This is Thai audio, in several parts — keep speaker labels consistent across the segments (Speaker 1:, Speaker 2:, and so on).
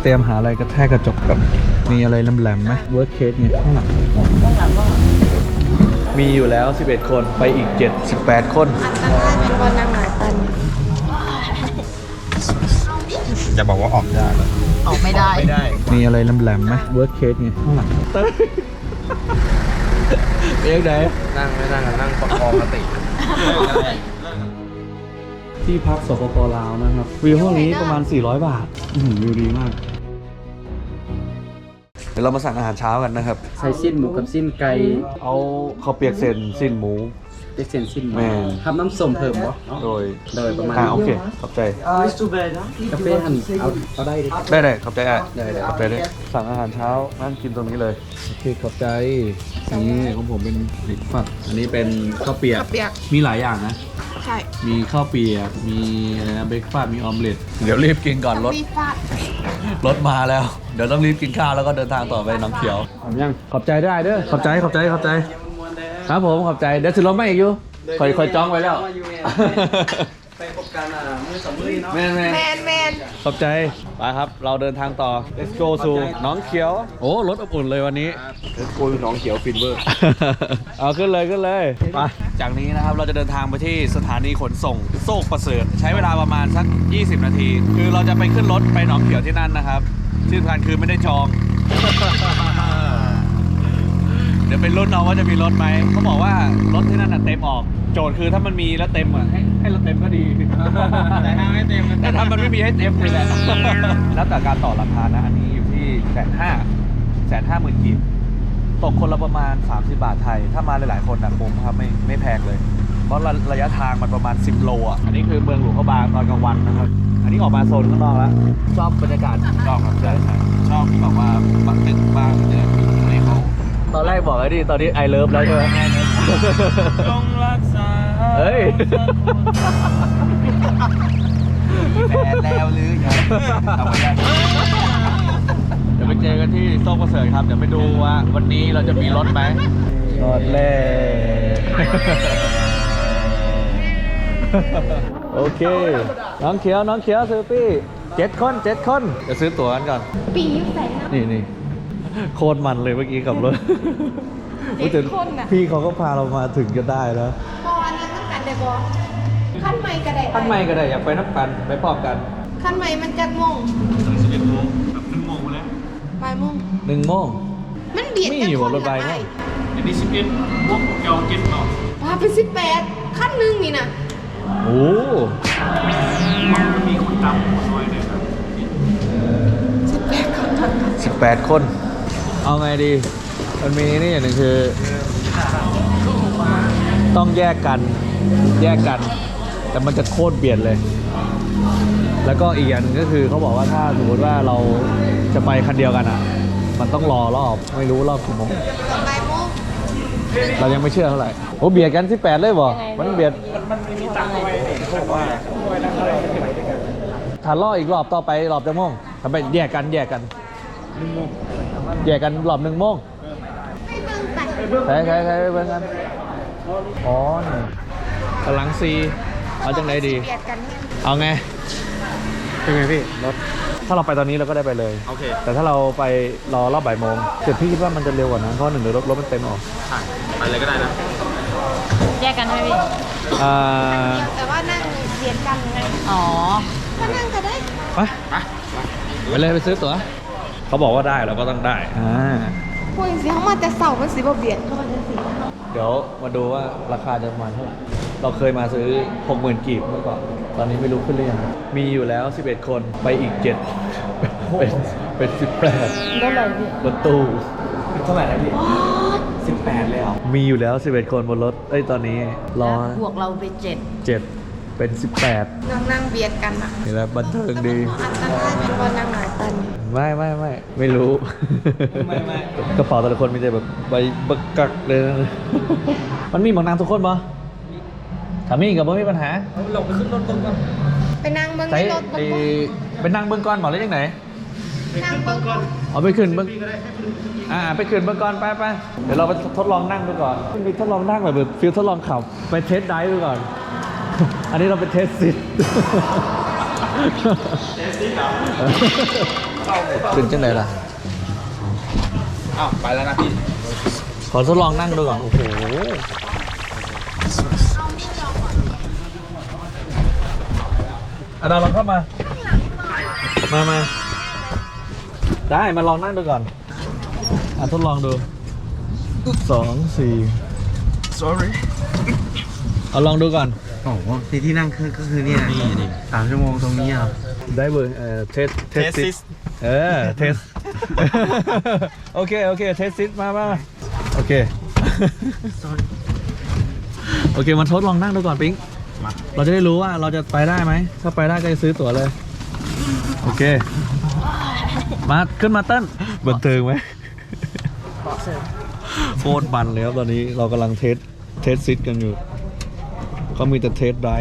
Speaker 1: รียมหาอะไรกระแทกกระจกกับมีอะไรแหลมๆไหมเวิร์คเคสเนี่ยข้างหลังมีอยู่แล้ว11คนไปอีก18คน
Speaker 2: อันตรายเป็นวันนางหมายปัน
Speaker 3: จะบอกว่าออกได้เหรอ
Speaker 2: ออกไม่ได้
Speaker 3: ไม่ได้
Speaker 1: มีอะไรแหลมๆไหมเวิร์คเคสเนี่ยข้างหลังเต้ยเอ๊ะไหน
Speaker 3: นั่งไม่นั่งนั่งประคองสติ
Speaker 1: ที่พักสปป.ลาวนะครับวิวห้องนี้ประมาณ400 บาทวิวดีมากเดี๋ยวเรามาสั่งอาหารเช้ากันนะครับ
Speaker 4: ใส่สิ้นหมูกับสิ้นไก่
Speaker 1: เอาข้าวเปียกเส้นสิ้นหมู
Speaker 4: เด็กเส้นสิ้นหมู
Speaker 1: แม่
Speaker 4: ทำน้ำส้มเพิ่มบ่
Speaker 1: โดย
Speaker 4: ประมาณ
Speaker 1: โอเคขอบใจ
Speaker 4: กาแฟหั่นเอาได้ดิ
Speaker 1: ได้ขอบใจ
Speaker 4: ได้
Speaker 1: ขอบใจด้วยสั่งอาหารเช้านั่งกินตรงนี้เลยโอเคขอบใจนี่ของผมเป็นเบรกฟาสต์อันนี้เป็นข้าวเปียก
Speaker 2: ข้าวเปียก
Speaker 1: มีหลายอย่างนะ
Speaker 2: ใช่
Speaker 1: มีข้าวเปียกมีอะไรนะเบรกฟาสต์มีออมเล็ตเดี๋ยวรีบกินก่อนรถ
Speaker 2: มีฟาด
Speaker 1: รถมาแล้ว เดี๋ยวต้องรีบกินข้าวแล้วก็เดินทางต่อไปน้ำเขียวยังขอบใจได้เด้อขอบใจครับผมขอบใจเดี๋ยวถึงรถไม่อีกอยู่คอยจ้องไว้แล้ว
Speaker 4: ไปพบกันมือสองมือเนาะ
Speaker 1: แม่
Speaker 2: แมน
Speaker 1: ขอบใจไปครับเราเดินทางต่อ let's go สู่หน้องเขียวโอ้รถอบอุ่นเลยวันนี้
Speaker 3: กูน้องเขียวฟินเวอร์
Speaker 1: เอาขึ้นเลยไปจากนี้นะครับเราจะเดินทางไปที่สถานีขนส่งโซกประเสริฐใช้เวลาประมาณสัก20 นาที คือเราจะไปขึ้นรถไปหนองเขียวที่นั่นนะครับที่สำคัญคือไม่ได้จอง เดี๋ยวเป็นรุ่นเอาว่าจะมีรถไหมเขาบอกว่ารถที่นั่นน่ะเต็มออกโจทย์คือถ้ามันมีแล้วเต็มอ่ะให้รถเต็มก็ดี
Speaker 3: แต่ถ้าไม่เต็ม
Speaker 1: แต่ถ้ามันไม่มีให้เต็มเลยแหละ แล้วแต่การต่อราคานะอันนี้อยู่ที่150,000 กีบตกคนละประมาณ30 บาทไทย ถ้ามาหลายๆคนนะคุ้มครับไม่แพงเลย เพราะระยะทางมันประมาณ10 โลอ่ะอันนี้คือเมืองหลวงพระบางตอนกลางวันนะครับอันนี้ออกมาโซนข้างนอกแล้วชอบบรรยากาศชอบครับใช่ชอบแบบว่าบักตึกบ้างเนี่ยอะไรเขาตอนแรกบอกไอ้ดิตอนนี้ไอเลิฟแล้วใช่ไหมจงรักษาเฮ้ย
Speaker 3: แฟนแล้วหรือยังเอาไว้ได้
Speaker 1: เดี๋ยวไปเจอกันที่โซ่ประเสริฐครับเดี๋ยวไปดูว่าวันนี้เราจะมีรถไหมรถเล่โอเคน้องเขียวซื้อปี้7 คนจะซื้อตั๋วกันก่อน
Speaker 2: ปีอยู่ใส่นะ
Speaker 1: นี่โคตรมันเลยเมื่อกี้ขับรถ
Speaker 2: 7 คนน่ะ
Speaker 1: พี่เขาก็พาเรามาถึงจะได้แล้ว
Speaker 2: พออันนั้นต้องกันได้บ่ขั้นใหม่ก็ได้
Speaker 1: ท่านไม่ก็ได้อยากไปนับกันไปพร้อมกัน
Speaker 2: ขั้นใหม่มันจักโมง
Speaker 3: 11 โมงแบบ1 โมงแล้ว
Speaker 2: บ่ายโมง
Speaker 1: 1 โมง
Speaker 2: มันเบียด
Speaker 1: มี
Speaker 2: กัน
Speaker 1: อยู่
Speaker 2: คน
Speaker 1: รถไฟ
Speaker 2: ละ
Speaker 1: ไหม
Speaker 2: ไป
Speaker 3: อันนี้11 โมงเกี่ยวเก็ตเนาะ
Speaker 2: ว่าไป18ขั้นหนึงนี่นะ
Speaker 1: โอ้
Speaker 3: มันมีคนตามคนน้อยเลยครับ
Speaker 1: 18 คน เอาไงดี มันมีนี่อย่างหนึ่งคือ ต้องแยกกัน แต่มันจะโคตรเบียดเลย แล้วก็อีกอย่างหนึงก็คือเขาบอกว่าถ้าสมมติว่าเราจะไปคันเดียวกันอ่ะ มันต้องรอรอบ ไม่รู้รอบกี่โมง
Speaker 2: บ่ายโมง
Speaker 1: เรายังไม่เชื่อเท่าไหร่ โอ้เบียดกัน18เลยบ่มันเบียดถ้ารออีกรอบต่อไปรอบจะโมงทำไปแยกกันแยกกันรอบ1 โมง
Speaker 2: ให้เบิ่งไป
Speaker 1: ใครไปเบิ่งกันอ๋อนี่กำลังซีเอาจังไหนดี
Speaker 2: เบียดกันเนี่ย
Speaker 1: เอาไง เป็นไงพี่รถถ้าเราไปตอนนี้เราก็ได้ไปเลย
Speaker 3: โอเค
Speaker 1: แต่ถ้าเราไปรอรอบบ่ายโมงแต่พี่คิดว่ามันจะเร็วกว่านั้นเพราะหนึ่งเดี๋ยวรถมันเต็มออก
Speaker 3: ใช่ไปเลยก็ได้นะ
Speaker 5: แยกกันใช่ไหมพี่
Speaker 1: อ่า
Speaker 2: แต่ว่านั่งเบียดกันไง
Speaker 5: อ๋อ
Speaker 2: ก็นั่งก็ได้
Speaker 1: ไปเลยไปซื้อตั๋วเขาบอกว่าได้เราก็ต้องได้
Speaker 2: พวกสิเขามาแต่เสามันสิบ่เบียดเขามันจะสิ
Speaker 1: เดี๋ยวมาดูว่าราคาจะประมาณเท่าไหร่เราเคยมาซื้อ 60,000 กีบเมื่อก่อนตอนนี้ไม่รู้ขึ้นหรือยังมีอยู่แล้ว11 คนไปอีก7เป็น18
Speaker 5: ได้เลยพี่
Speaker 1: รถตู้
Speaker 3: เท่าไหร่นะพี่18 เลยเหรอ
Speaker 1: มีอยู่แล้ว11 คนบนรถตอนนี้รอ
Speaker 5: แล้วบวกเราไป7
Speaker 1: 7เป็น18
Speaker 2: นั่งเบียดกันอ่ะ
Speaker 1: นี่แหละบันเทิงดี
Speaker 2: อันตรายเป็นวันนางหมายปัน
Speaker 1: ไม่รู้ กระเป๋าแต่ละคนมีแต่แบบใบบักกักเลยนะ มันมีหมองนางทุกคนปะถ้ามีกับไม่มีปัญหา
Speaker 3: ลงไปขึ้นรถก่อน
Speaker 2: ไปนั่งเบิ้ง
Speaker 1: ใช้
Speaker 2: ในรถ
Speaker 1: ไปนั่งเบื้องก้อนหมอเล่นยังไง
Speaker 2: นั่งเบิ้งก่อน
Speaker 1: เอาไปขึ้นเบื้องไปขึ้นเบื้องก้อนไปเดี๋ยวเราไปทดลองนั่งดูก่อนมีทดลองนั่งแบบฟิลทดลองขับไปเทสไดฟ์ดูก่อน อันนี้เราไปเทสซิท
Speaker 3: เทสซิ่งเหรอ
Speaker 1: ขึ้นจังไหนล่ะ
Speaker 3: อ้าวไปแล้วนะพี่
Speaker 1: ขอทดลองนั่งดูก่อน โอ้โห ดาวลองเข้ามา มาได้มาลองนั่งดูก่อนทดลองดู2 4
Speaker 3: sorry
Speaker 1: เอาลองดูก่อน
Speaker 3: โอ้โหที่นั่งก็คือนี่นะนี่3 ชั่วโมงตรงนี้อ่ะ
Speaker 1: ได้เบอร์เทสเทส โอเคเทสซิสมาโอเค โอเคมาทดลองนั่งดูก่อนปิ๊งเราจะได้รู้ว่าเราจะไปได้ไหมถ้าไปได้ก็จะซื้อตั๋วเลยโอเคมาขึ้นมาเต้นบันเทิงไหมโคตรบันเลยครับตอนนี้เรากำลังเทสซิสกันอยู่เขามีแต่เทสได้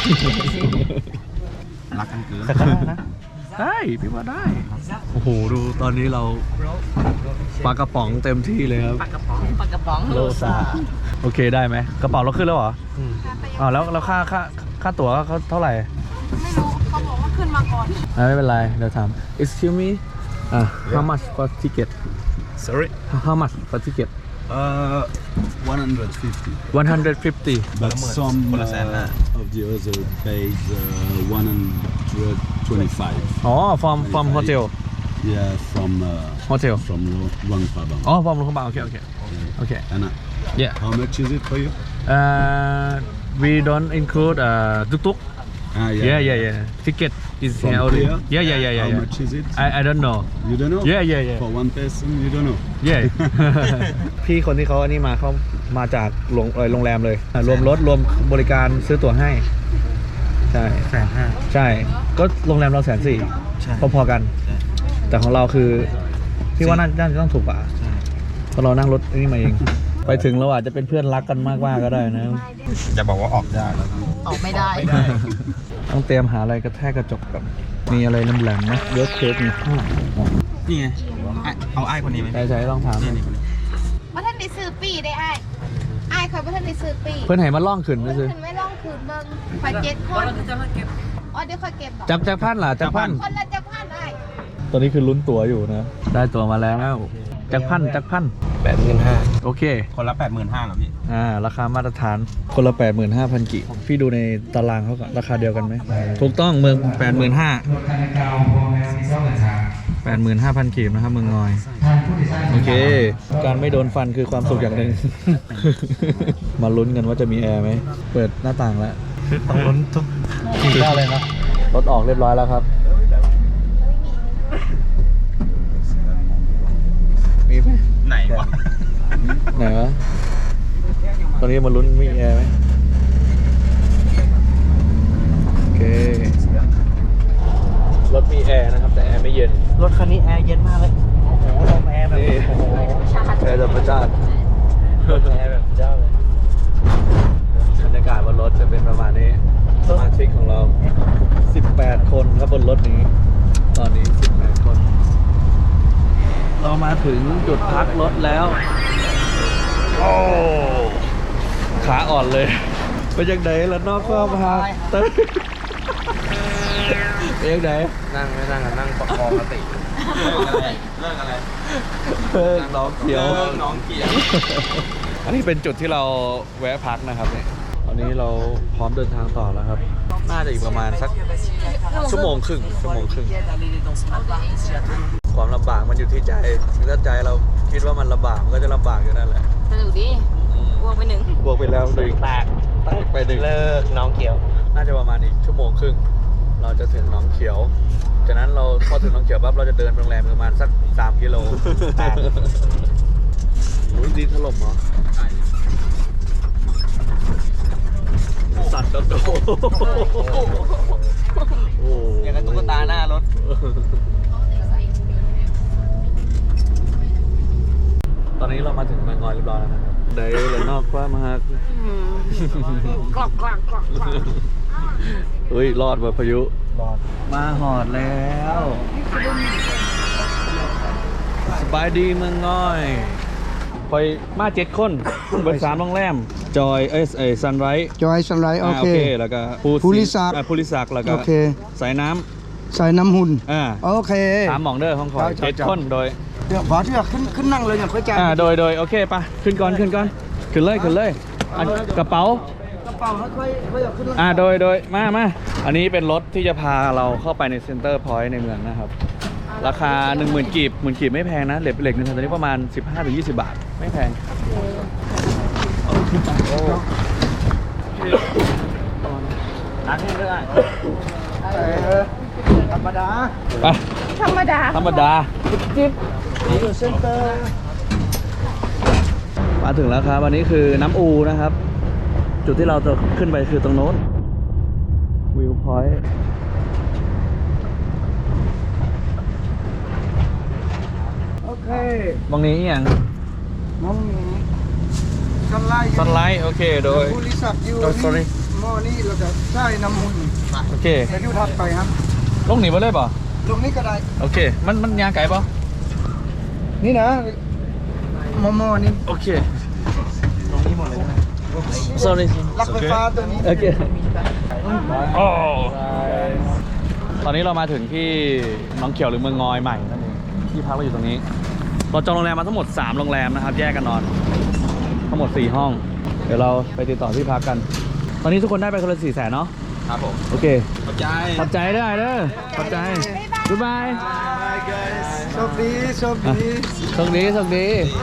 Speaker 3: รักกันเกิน
Speaker 1: แต่ก็ได้นะได้พี่ว่าได้โอ้โหดูตอนนี้เราปลากระป๋องเต็มที่เลยครับ
Speaker 5: ปากกระป๋อง
Speaker 1: โลซาโอเคได้ไหมกระเป๋าเราขึ้นแล้วเหรออ๋อแล้วค่าตั๋วเขาเท่าไหร่
Speaker 2: ไม่รู้เขาบอกว่าขึ้นมาก่อน
Speaker 1: ไม่เป็นไรเดี๋ยวถาม excuse me how much for ticket
Speaker 3: sorry
Speaker 1: how much for ticket
Speaker 6: 150.
Speaker 1: 150
Speaker 6: But some of the other paid 125.
Speaker 1: อ๋อ from hotel
Speaker 6: Yeah,
Speaker 1: hotel
Speaker 6: from Luang Prabang.
Speaker 1: อ๋อ from โรงพยาบาลโอเค
Speaker 6: And
Speaker 1: yeah
Speaker 6: how much is it for you?
Speaker 1: we don't include ตุ๊ก
Speaker 6: Ah,
Speaker 1: yeah ticket is
Speaker 6: From
Speaker 1: here only
Speaker 6: here?
Speaker 1: yeah
Speaker 6: How much is it?
Speaker 1: I don't know
Speaker 6: You don't know?
Speaker 1: yeah
Speaker 6: For one person, you don't know.
Speaker 1: yeah พี่คนที่เขาอันนี้มาเขามาจากโรงแรมเลยรวมรถรวมบริการซื้อตั๋วให้ใช่
Speaker 3: 150,000
Speaker 1: ใช่ก็โรงแรมเรา140,000
Speaker 3: ใช่
Speaker 1: พอๆกัน แต่ของเราคือพี่ว่าน่าจะต้องถูกกว่าเพราะเรานั่งรถนี่มาเอง ไปถึงเราอาจจะเป็นเพื่อนรักกันมากก็ได้นะ
Speaker 3: จะบอกว่าออกยากแล้ว
Speaker 5: ออกไม่ได้
Speaker 1: ต้องเตรียมหาอะไรกระแทกกระจกกับมีอะไรแหลมๆนะเยอะเค้กนี่ข้างหลัง
Speaker 3: นี่ไงเอาไอ้คนนี้ไหม
Speaker 1: ใช่ต้องถาม
Speaker 3: นี่คนนี้
Speaker 2: ว่าท่านได้ซื้อปีได้ไอ้คอยว่าท่านได้ซื้อปี
Speaker 1: เพื่อนไหนมาล่องขึ้น
Speaker 2: เพื่
Speaker 1: นะ
Speaker 2: อน
Speaker 1: ซื้อ
Speaker 2: ขึ้นไม่ล่องคืนเบิ้งคอย7 คนอ๋อเดี๋ยวคอยเก็บบอก
Speaker 1: จักพันล่ะจักพัน
Speaker 2: คนละจะพันไอ้
Speaker 1: ตอนนี้คือลุ้นตั๋วอยู่นะ ได้ตั๋วมาแล้วจักพัน
Speaker 3: 85,000
Speaker 1: โอเค
Speaker 3: คนละ 85,000เหรอพี่
Speaker 1: ราคามาตรฐานคนละ 85,000 กิพี่ดูในตารางเขาก่อนราคาเดียวกันไหมถูกต้องเมือง 85,000 กีบนะครับเมืองงอย โอเค การไม่โดนฟันคือความสุขอย่างหนึ่ง มาลุ้นกันว่าจะมีแอร์ไหม เปิดหน้าต่างแล้ว
Speaker 3: ต้องลุ้นทุก
Speaker 1: กินได้เลยนะรถออกเรียบร้อยแล้วครับ มีไหม
Speaker 3: ไหนวะ
Speaker 1: ไหนวะ ตอนนี้มาลุ้นมีแอร์ไหมโอเค รถมีแอร์นะครับ แต่แอร์ไม่เย็น
Speaker 3: รถคันนี้แอร์เย็นมากเลย โอ้โหลมแอร์แบบ
Speaker 1: นี่
Speaker 3: โอ้โห
Speaker 1: แอร์ธรรมชาติ
Speaker 3: ลมแอร์แบบเจ้าเลย
Speaker 1: บรรยากาศบนรถจะเป็นประมาณนี้สมาชิกของเรา 18 คนครับบนรถนี้ ตอนนี้ 18 คน เรามาถึงจุดพักรถแล้ว โอ้ขาอ่อนเลยไปจากไหนแล้วนอกก็พักเต้ยไปจากไหน
Speaker 3: นั่งไม่นั่งนั่งประคองสติเลิกอะไร
Speaker 1: น้องเขียว
Speaker 3: น้องเกียร์
Speaker 1: อันนี้เป็นจุดที่เราแวะพักนะครับเนี่ยตอนนี้เราพร้อมเดินทางต่อแล้วครับ น่าจะอีกประมาณสักชั่วโมงครึ่งความลำบากมันอยู่ที่ใจถ้าใจเราคิดว่ามันลำบากมันก็จะลำบากอยู่นั่นแหละ
Speaker 5: สนุกดีบวกไป1
Speaker 1: บวกไปแล้วหนึ่งแตกไปหนึ่ง
Speaker 3: เลิกน้องเกียว
Speaker 1: น่าจะประมาณอีกชั่วโมงครึ่งเราจะถึงหนองเขียวจากนั้นเราพอถึงหนองเขียวปั๊บเราจะเดินไปโรงแรมประมาณสัก3 กิโลอุ้ยดินถล่มเหรอสัตว์โดนโอ้
Speaker 3: อย่างกับตุ๊กตาหน้ารถ
Speaker 1: ตอนนี้เรามาถึงเมืองงอยเรียบร้อยแล้วนะครับได้เลยนอกว่ามาฮัก
Speaker 5: กรอก
Speaker 1: เฮ้ยรอดว่ะพายุ
Speaker 3: รอด
Speaker 1: มาหอดแล้วสบายดีเมืองน้อยไปมา7 คนเบิด3โรงแรมจอยซันไรท์
Speaker 7: จอยสันไรโอเค
Speaker 1: แล้วก็
Speaker 7: ภูริศักดิ์
Speaker 1: ภูริศักดิ์แล้วก็
Speaker 7: โอเค
Speaker 1: สายน้
Speaker 7: ใส่น้ำหุ่น
Speaker 1: โอ
Speaker 7: โอเค
Speaker 1: 3หม่องเด้อห้องคอย
Speaker 7: ครับ
Speaker 1: 7 คนโดย
Speaker 7: เดี๋ยวขอที่จะขึ้นนั่งเลยอย่างค่อยจ่าย
Speaker 1: โดยโอเคปะขึ้นก่อนขึ้นเลยอันกระเป๋าก
Speaker 7: ระเป๋าค่อยเอาขึ้น
Speaker 1: โดยมาอันนี้เป็นรถที่จะพาเราเข้าไปในเซ็นเตอร์พอยต์ในเมืองนะครับราคา 10,000 กีบ10,000 กีบไม่แพงนะเหล็กหนึ่งคันตอนนี้ประมาณ 15-20 บาทไม่แพงนักแน่ด้วย
Speaker 7: ธรรมดา
Speaker 1: ไป
Speaker 2: ธรรมดา
Speaker 1: ธรรมดาจิ๊บ
Speaker 7: อยู่เซ็นเตอร์
Speaker 1: มาถึงแล้วครับวันนี้คือน้ำอูนะครับ จุดที่เราจะขึ้นไปคือตรงโน้นวิวพอยต์
Speaker 7: โอเค
Speaker 1: ตรงนี้อย่าง
Speaker 7: น้องสไลด์
Speaker 1: ซันไลท์โอเคโดย
Speaker 7: บริษัทอยู่
Speaker 1: sorry
Speaker 7: หม้อนี่เราจะใช้น้ำหุ่น
Speaker 1: โอเค
Speaker 7: ไปดูถัดไปครับ
Speaker 1: ลงหนีไปเลยป่ะ
Speaker 7: ตรงนี้ก็ได้
Speaker 1: โอเคมันยางไก่ป่ะ
Speaker 7: นี่นะหม้อนี่
Speaker 1: โอเคตรงนี้หมดเลย sorry
Speaker 7: ลักไฟฟ้าตัวนี้
Speaker 1: โอเคโอ้ตอนนี้เรามาถึงที่หน้องเขียวหรือเมืองงอยใหม่นั่นเองที่พักเราอยู่ตรงนี้เราจองโรงแรมมาทั้งหมด3โรงแรมนะครับแยกกันนอนทั้งหมด4ห้องเดี๋ยวเราไปติดต่อที่พักกันตอนนี้ทุกคนได้ไปคนละ400,000เนาะ
Speaker 3: ครับผม
Speaker 1: โอเค
Speaker 3: ขอบใจ
Speaker 1: ขอบใจได้เด้อขอบใจบ๊ายบาย
Speaker 7: โชคดีโชคดี
Speaker 1: โชคดีโชคดี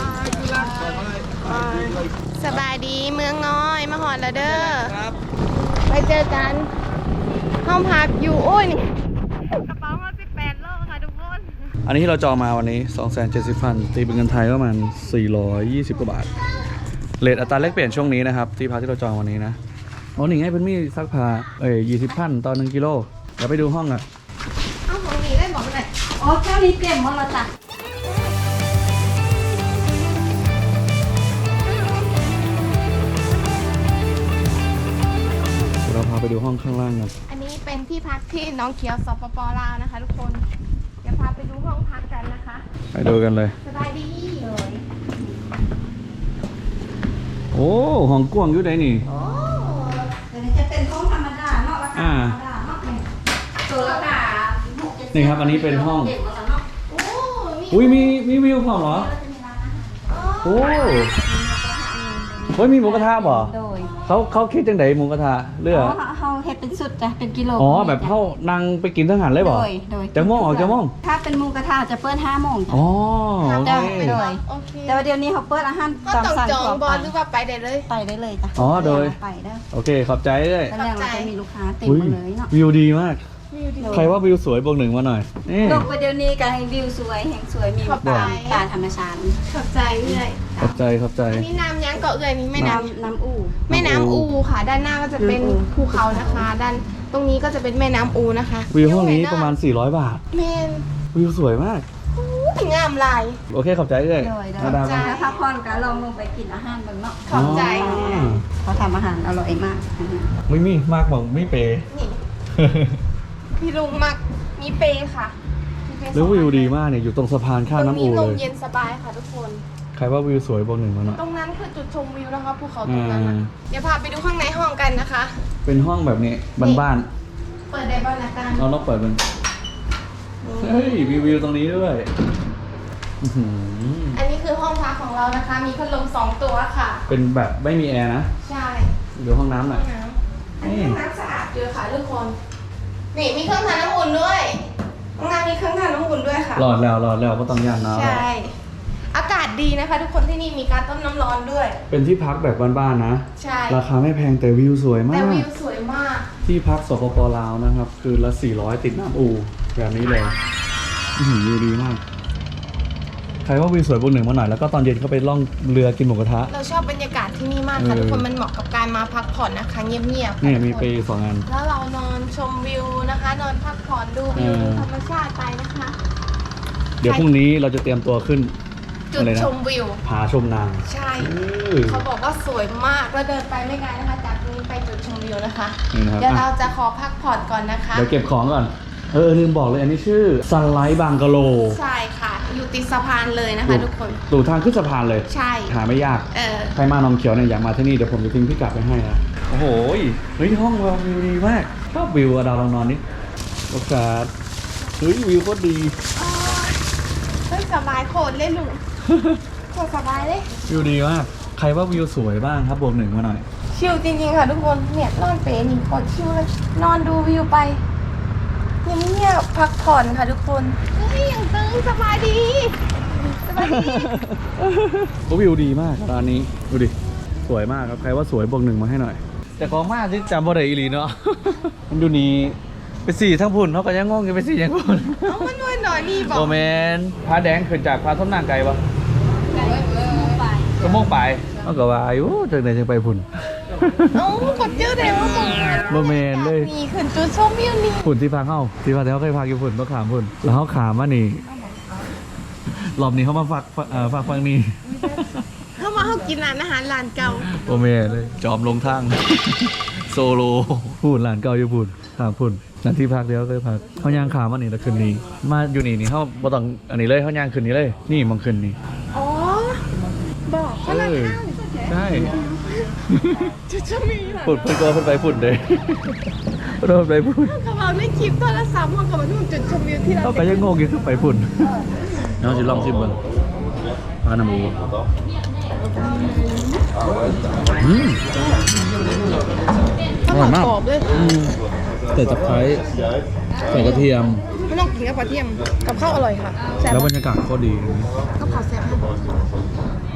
Speaker 2: สบายดีเมืองน้อยมาหอดแล้วเด้อไปเจอกันห้องพักอยู่โอ้ยนี่กระเป๋ามา18 โลค่ะทุกคน
Speaker 1: อันนี้ที่เราจองมาวันนี้ 270,000 ตีเป็นเงินไทยก็ประมาณ420 กว่าบาทเรทอัตราแลกเปลี่ยนช่วงนี้นะครับที่พักที่เราจองวันนี้นะโอ้หนิงให้เป็นมีซักผ้า20,000 ต่อ1 กิโลเดี๋ยวไปดูห้องอ่ะ
Speaker 2: เอาของนี้ได้บอกหน่อย
Speaker 5: อ๋อเจ้านี้เต็มหมดแล้วจ้ะ
Speaker 1: เดี๋ยวเราพาไปดูห้องข้างล่างกัน
Speaker 2: อันนี้เป็นที่พักที่น้องเขียวสปปลาวนะคะ ทุกคนเดี๋ยวพาไปดูห้องพักกันนะคะ
Speaker 1: ไปดูกันเลย
Speaker 2: สบายดีเลย
Speaker 1: โอ้ห้องกว้างอยู่ไหนนี่
Speaker 2: โอ้
Speaker 5: เดี๋ยวนี้จะเป็นห้องธรรมดาเนาะราคาธรรมดาเนาะตัวละค่ะ
Speaker 1: นี่ครับอันนี้เป็นห้อง
Speaker 2: โอ้นี่
Speaker 1: อุ้ยมีวิวพร้อมเหรอโอ้เฮ้ยมีหมูกระทะบ่
Speaker 5: โดย
Speaker 1: เขาคิดจังไดหมูกระทะเลือ
Speaker 5: เขาเฮ็ดเป็นสุดจ้ะเป็นกิโล
Speaker 1: อ๋อแบบเข้านั่งไปกินทหารเลยบ่
Speaker 5: โดย
Speaker 1: จะม่วงออกจะม่วง
Speaker 5: ถ้าเป็นหมูกระทะจะเปิด5 โมงจ้ะ
Speaker 1: อ๋อ
Speaker 2: ทำ
Speaker 1: โอ
Speaker 2: ได้
Speaker 1: เค
Speaker 2: ไปเลยโอเค
Speaker 5: แต่ว่าเดี๋ยวนี้เขาเปิดอาหาร
Speaker 2: ก็
Speaker 5: ตาม
Speaker 2: ต้อง
Speaker 5: สั่ง
Speaker 2: จอง
Speaker 5: ของ
Speaker 2: บอลหรือว่าไปได้เลย
Speaker 5: ไปได้เลยจ้ะ
Speaker 1: อ๋อโดย
Speaker 5: ไปได้
Speaker 1: โอเคขอบใจเลย
Speaker 5: ตอนแรกเราจะมีลูกค้าเต็ม
Speaker 1: อุ้ย
Speaker 5: หมดเลยเนาะ
Speaker 1: วิวดีมาก
Speaker 2: วิวดี
Speaker 1: ใครว่าวิวสวยบวก1มาหน่อยนี่
Speaker 5: ลงไปเดี๋ยวนี้ก็ให้วิวสวยแห่งสวยมี
Speaker 2: ขอบใจ
Speaker 5: ป่าธรรมชาติ
Speaker 2: ขอบใจเอื่อย
Speaker 1: ขอบใจขอบใจ
Speaker 2: อันนี้น้ำยังเกาะเอื่อยนี่แม่น้ำ
Speaker 5: น้ำอู่
Speaker 2: แม่น้ำอูค่ะ ด้านหน้าก็จะเป็น
Speaker 5: น้ำอู
Speaker 2: ภูเขานะคะ ด้านตรงนี้ก็จะเป็นแม่น้ำอูนะคะ
Speaker 1: วิวห้องนี้ประมาณ400 บาท
Speaker 2: แมน
Speaker 1: วิวสวยมาก
Speaker 2: อู้งามลาย
Speaker 1: โอเคขอบใจเลย
Speaker 5: โดย
Speaker 1: มาดาม
Speaker 2: ขอบใจ
Speaker 5: ถ้าพักผ่อนก็ลองลงไปกินอาหารเบางเนาะ
Speaker 2: ขอบใจ
Speaker 5: เขาทำอาหารอร่อยมาก
Speaker 1: ไม่มีมากบอกไม่เปย์
Speaker 2: นี่พี่ลุงมักมีเปย์ค่ะมีเปย์
Speaker 1: แล้ววิวดีมากเนี่ยอยู่ตรงสะพานข้ามน้ำอู
Speaker 2: ตรง
Speaker 1: เล
Speaker 2: นี้ล
Speaker 1: ย
Speaker 2: มเย็นสบายค่ะทุกคน
Speaker 1: ใครว่าวิวสวยบวก1มาหน่อย
Speaker 2: ตรงนั้นคือจุดชมวิวนะคะภูเขาตรงนั้น
Speaker 1: อ่า
Speaker 2: น่ะเดี๋ยวพาไปดูข้างในห้องกันนะคะ
Speaker 1: เป็นห้องแบบนี้บ้าน
Speaker 2: เปิดได้บ้างนะกัน
Speaker 1: ๆเราต้องเปิดมันเฮ้ยมีวิวตรงนี้ด้วยอื้อหือ
Speaker 2: อันนี้คือห้องพักของเรานะคะ มีพัดลม2 ตัวค่ะ
Speaker 1: เป็นแบบไม่มีแอร์นะ
Speaker 2: ใช่
Speaker 1: ดูห้องน้ำหน่อย
Speaker 2: ห้องน้ำอันนี้ห้องน้ำสะอาดเยอะค่ะทุกคน นี่มีเครื่องทำน้ำอุ่นด้วยห้องน้ำมีเครื่องทำน้ำอุ่นด้วยค่ะ
Speaker 1: หลอดแล้วก็ต้องย่านน้ำ
Speaker 2: ใช่ อากาศดีนะคะ ทุกคนที่นี่มีการต้มน้ำร้อนด้วย
Speaker 1: เป็นที่พักแบบบ้านๆนะ
Speaker 2: ใช่
Speaker 1: ราคาไม่แพงแต่วิวสวยมา
Speaker 2: แต่
Speaker 1: ก
Speaker 2: วิวสวยมาก
Speaker 1: ที่พักสปปลาวนะครับ คือละ400ติดน้ำอูแบบนี้เลยอื้อหือวิวดีมาก ใครว่าวิวสวยบวก1มาหน่อยแล้วก็ตอนเย็นก็ไปล่องเรือกินหมูกระทะ
Speaker 2: เราชอบบรรยากาศที่นี่มากค่ะ ทุกคนมันเหมาะกับการมาพักผ่อนนะคะเงียบๆค่ะ
Speaker 1: เนี่ยมี
Speaker 2: ทุก
Speaker 1: ไป
Speaker 2: คน
Speaker 1: 2 อัน
Speaker 2: แล้วเรานอนชมวิวนะคะ นอนพักผ่อนดูวิว
Speaker 1: เออ
Speaker 2: ธรรมชาติไปนะคะ
Speaker 1: เดี๋ยวพรุ่งนี้เราจะเตรียมตัวขึ้น
Speaker 2: จุด
Speaker 1: อะไรนะ
Speaker 2: ชมวิว
Speaker 1: ผาชมนาง
Speaker 2: ใช่ เขาบอกว่าสวยมากแล้วเดินไปไม่ไกลนะคะ จากตรงนี้ไปจุดชมวิวนะคะ
Speaker 1: นี่นะครับ
Speaker 2: เดี๋ยวเรา
Speaker 1: อ่ะ
Speaker 2: จะขอพักผ่อนก่อนนะคะ
Speaker 1: เดี๋ยวเก็บของก่อนลืมบอกเลยอันนี้ชื่อซันไลท์บางกะโล
Speaker 2: ใช่ค่ะ อยู่ติดสะพานเลยนะคะ ทุกคน
Speaker 1: ดูทางขึ้นสะพานเลย
Speaker 2: ใช่
Speaker 1: หาไม่ยาก ใครมาหนองเขียวเนี่ยอยากมาที่นี่เดี๋ยวผมจะทิ้งพิกัดไปให้นะ โอ้โหเฮ้ยห้องเราวิวดีมากชอบวิวอะดาวลองนอนนี่โอกาสเฮ้ยวิวโคตรดี
Speaker 2: เฮ้ยสบายโคตรเลยลุงโคตรสบายเลย
Speaker 1: วิวดีมากใครว่าวิวสวยบ้างครับบวก 1มาหน่อย
Speaker 2: ชิลจริงๆค่ะทุกคนเนี่ยนอนเปนี่โคตรชิลเลยนอนดูวิวไปเงียบๆพักผ่อนค่ะทุกคนเฮ้ยยังตึงสบายดีสบายดี
Speaker 1: ก็วิวดีมากร้านนี้ดูดิสวยมากครับใครว่าสวยบวก 1มาให้หน่อย แต่ของมากที่จำบ่ได้อีหลีเนาะ มันดูนี้ไปสี่ทั้งพุ่นเขาก็ยังงงอยู่ไปสี่ยังพุ่น
Speaker 2: เอามันนวลหน่อยนี่บอก
Speaker 1: โอแมนพาแดงขึ้นจากพาส้มนางไกลปะก็ม่วงไปเอาก็ว่าอยู่จากไหนจะไปพุ่น
Speaker 2: เอ้ากดเจอเลยว่าตรงนั้น
Speaker 1: โอแมนเลย
Speaker 2: นี่ขึ้นจุดชมวิวนี่
Speaker 1: พุ่นที่พักเขาที่พักที่เขาเคยพักอยู่พุ่นต้องขามพุ่นแล้วเขาขามมานี่รอบนี้เขามาฝากฟังนี่
Speaker 2: เข้ามาเขากินร้านอาหารร้านเก่า
Speaker 1: โอแมนเลยจอมลงทาง โซโลพุ่นหลานเก่าอยู่พุ่นขามพุ่นนั่นที่พักเดียวเคยพักเขาย่างขามมานี่แล้วคืนนี้มาอยู่นี่เขาบ่ต้องอันนี้เลยเขาย่างคืนนี้เลยนี่มองคืนนี้
Speaker 2: อ๋อบอกเขาร้านข้าว
Speaker 1: ใช่
Speaker 2: จุดชมวิวเหรอ
Speaker 1: พุ่นเพิ่นก็เพิ่นไปพุ่นเลยเพิ่นไปพุ่น
Speaker 2: เขาบอกในคลิปโทรศัพท์เขาก็มาดูจุดชมวิวที่เรา
Speaker 1: เขาก็ยังงงอยู่คือไปพุ่นน้องสิลองชิมเบิ่งปลาหน้ำหมูอร่อยมาก
Speaker 2: กรอบเลย
Speaker 1: ใส่ตะไคร้ใส่กระเทียม
Speaker 2: ไม่ต้องกินกับกระเทียมกับข้าวอร่อยค่ะแซ่บ
Speaker 1: แล้วบรรยากาศก็ดี
Speaker 2: กับข้าวแซ่บ